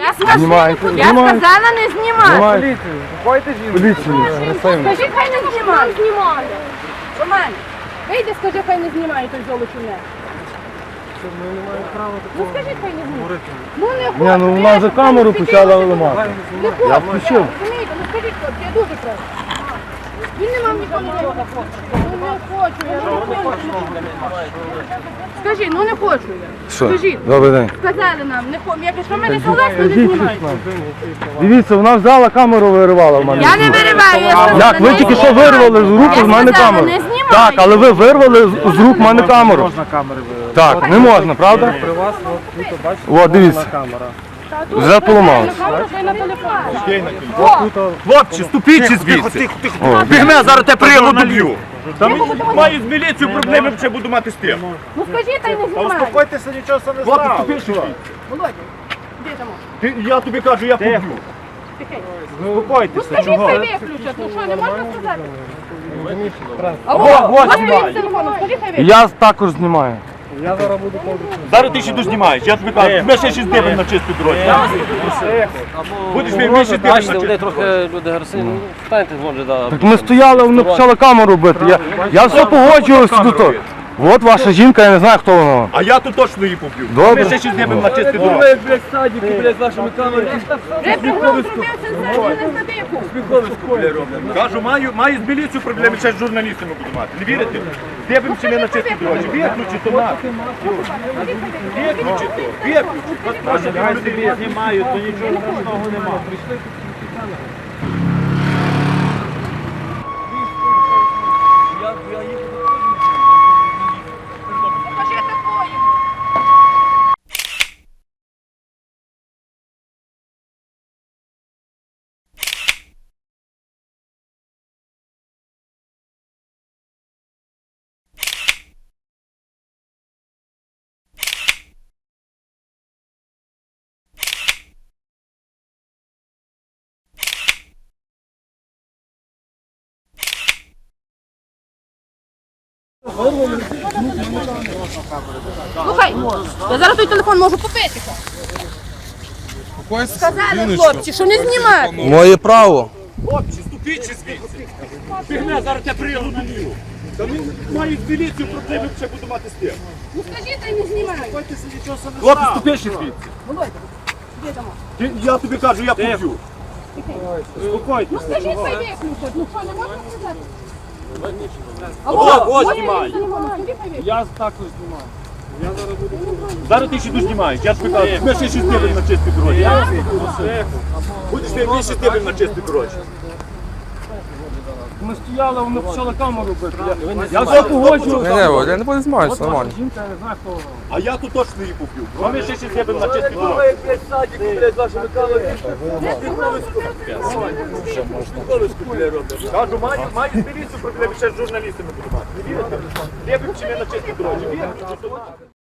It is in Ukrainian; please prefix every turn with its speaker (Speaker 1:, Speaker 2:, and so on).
Speaker 1: Знімайте.
Speaker 2: Я сказала не знімати.
Speaker 1: Поліцію. Заходьте жінку. Поліцію.
Speaker 2: Скажи, хай не знімає. Знімає. Роман, вийди, скажи, хай не знімає той золочуне.
Speaker 1: Ми не маємо права
Speaker 2: Ну скажи, хай не знімає. Ну не хочу.
Speaker 1: Ні, ну вона за камеру почала ламати.
Speaker 2: Не хочу.
Speaker 1: Я включив.
Speaker 2: Розумієте, ну скажіть, хлопці, я дуже прошу. Він не мав ніколи не робити. Ну не хочу, я не хочу. Скажи, ну не хочу я.
Speaker 1: Що?
Speaker 2: Скажіть.
Speaker 1: Добрий день.
Speaker 2: Сказали нам, не хочу. Якщо ми не согласні, не знімайте.
Speaker 1: Дивіться, вона взяла камеру, виривала в мене.
Speaker 2: Я не вириваю, я сказала,
Speaker 1: Як? Ви
Speaker 2: не
Speaker 1: тільки що
Speaker 2: знімай.
Speaker 1: вирвали з рук
Speaker 2: Я
Speaker 1: з мене
Speaker 2: сказала,
Speaker 1: камеру.
Speaker 2: не знімай.
Speaker 1: Так, але ви вирвали з рук в мене камеру.
Speaker 3: Можна камери виявити.
Speaker 1: Так, не можна, правда?
Speaker 3: При вас, от тут, бачите,
Speaker 1: О, дивіться.
Speaker 3: камера.
Speaker 1: Вже поламалось.
Speaker 2: Камеру хай на телефон.
Speaker 4: Хлопці, ступіть звідси. Бігме, зараз те приємно доб'ю. Маю з міліцією проблеми, ще буду мати з тим.
Speaker 2: Ну скажіть, та й не знімай.
Speaker 3: Успокойтеся, нічого це не
Speaker 4: Хлопці,
Speaker 3: стало.
Speaker 4: ступіть сюди.
Speaker 2: Володя, де там?
Speaker 4: Я тобі кажу, я поб'ю.
Speaker 2: Ну
Speaker 3: Успокойтеся,
Speaker 2: скажіть,
Speaker 3: чого?
Speaker 2: хай виключать. Ну що, не можна сказати?
Speaker 4: Вот,
Speaker 2: Ось
Speaker 4: знімай.
Speaker 2: він телефоном, скажіть, хай виключать.
Speaker 1: Я також знімаю.
Speaker 3: Я зараз буду повністю.
Speaker 4: Зараз ти ще дознімаєш, я тобі кажу, ми ще 6 днів на чисту дорозі. Будеш ми 6 днів на
Speaker 5: Бачите, вони
Speaker 4: чисту.
Speaker 5: трохи люди агресивні. Встаньте, може, да.
Speaker 1: Так ми стояли, вони почали камеру бити. Я все погоджувався до того. От ваша жінка, я не знаю, хто вона.
Speaker 4: А я тут точно її поб'ю.
Speaker 1: Добре.
Speaker 4: Ми ще 6 днів на чисту дорозі.
Speaker 2: Вже приглас зробився за стадику.
Speaker 4: Кажу, маю з міліцією проблеми, ще з журналістами буду мати. Не вірите? Дивимося ми на чистій дорозі. Виключи то мати. Виключи то. Виключи. Вас просять люди.
Speaker 3: Знімають, то нічого страшного немає.
Speaker 2: Покажи такої. Слухай, я зараз той телефон можу купити. Сказали хлопці, що не знімати.
Speaker 1: Моє право.
Speaker 4: Хлопці, ступіть ще звідси. Бігме, зараз я приїду на ліву. Та він має з міліцією проблеми, ще буду мати з тим.
Speaker 2: Ну скажіть, та й не знімай.
Speaker 4: Хлопці, ступіть ще звідси.
Speaker 2: Володя, де там?
Speaker 4: Я тобі кажу, я поб'ю.
Speaker 2: Ну скажіть, хай виключать. Ну що, не можна сказати?
Speaker 4: Ось знімай.
Speaker 3: Я також знімаю.
Speaker 4: Зараз ти ще дознімаєш, я тобі кажу, ми ще 6 днів на чистій дорозі. Будеш ми 6 днів на чистій дорозі.
Speaker 1: Ми стояли, вони почали камеру бити. Я все погоджувався.
Speaker 6: Я не буду знімати, все нормально.
Speaker 1: Жінка, я не знаю, хто вона.
Speaker 4: А я тут точно її поб'ю. А ми ще 6 днів на чистій дорозі. Кажу, маю з міліцією проблеми, ще з журналістами буду мати. Не вірите? Дивимося ми на чистій дорозі. Вірите?